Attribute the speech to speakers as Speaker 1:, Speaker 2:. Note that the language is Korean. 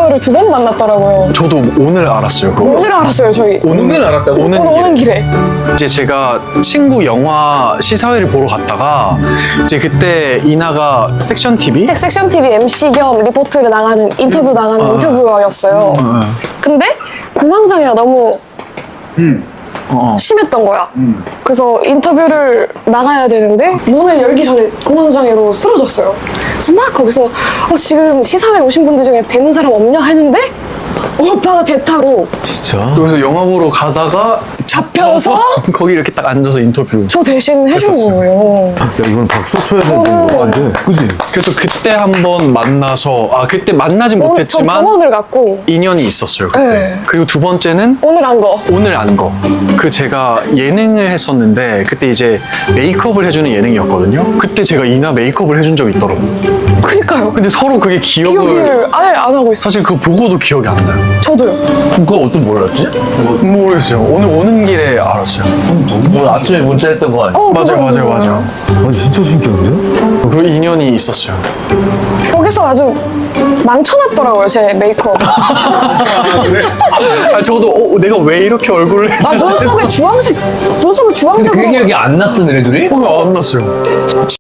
Speaker 1: 저를 2번 만났더라고요.
Speaker 2: 저도 오늘 알았어요. 그거.
Speaker 1: 오늘 알았어요, 저희.
Speaker 3: 오늘 알았다고?
Speaker 1: 오는 길에.
Speaker 2: 이제 제가 친구 영화 시사회를 보러 갔다가 이제 그때 이나가 섹션 TV
Speaker 1: 섹션 TV MC 겸 리포트를 나가는 인터뷰 나가는 인터뷰어였어요. 근데 공황장애가 너무 심했던 거야. 그래서 인터뷰를 나가야 되는데 문을 열기 전에 공황장애로 쓰러졌어요. 그래서 막 거기서 지금 시사회 오신 분들 중에 되는 사람 없냐 했는데 오빠가 대타로
Speaker 3: 진짜?
Speaker 2: 그래서 영화 보러 가다가
Speaker 1: 잡혀서
Speaker 2: 거기 이렇게 딱 앉아서 인터뷰.
Speaker 1: 저 대신 해준
Speaker 2: 했었어요.
Speaker 1: 거예요.
Speaker 3: 야, 이건 박수 쳐야 되는 거 같은데. 그지?
Speaker 2: 그래서 그때 한번 만나서 그때 만나진
Speaker 1: 저
Speaker 2: 못했지만
Speaker 1: 병원을 갔고
Speaker 2: 인연이 있었어요 그때.
Speaker 1: 네.
Speaker 2: 그리고 두 번째는
Speaker 1: 오늘 한 거.
Speaker 2: 오늘 안 거. 그 제가 예능을 했었는데 그때 이제 메이크업을 해주는 예능이었거든요. 그때 제가 이나 메이크업을 해준 적이 있더라고요.
Speaker 1: 그니까요.
Speaker 2: 근데 서로 그게
Speaker 1: 기억을 아예 안 하고 있어.
Speaker 2: 사실 그거 보고도 기억이 안 나요.
Speaker 1: 저도요.
Speaker 3: 그거 어떤 몰랐지?
Speaker 2: 모르겠어요. 오늘 오는 길에 알았어요.
Speaker 3: 오늘 아침에 문자했던 거 아니야?
Speaker 2: 맞아요.
Speaker 3: 아니 진짜 신기한데?
Speaker 2: 그리고 인연이 있었어요.
Speaker 1: 거기서 아주 망쳐놨더라고요, 제 메이크업.
Speaker 2: 저도 내가 왜 이렇게 얼굴을
Speaker 1: 눈썹에 주황색
Speaker 3: 근데 그게
Speaker 1: 주황색으로
Speaker 3: 기억이 안 났어, 너네들이?
Speaker 2: 안 났어요.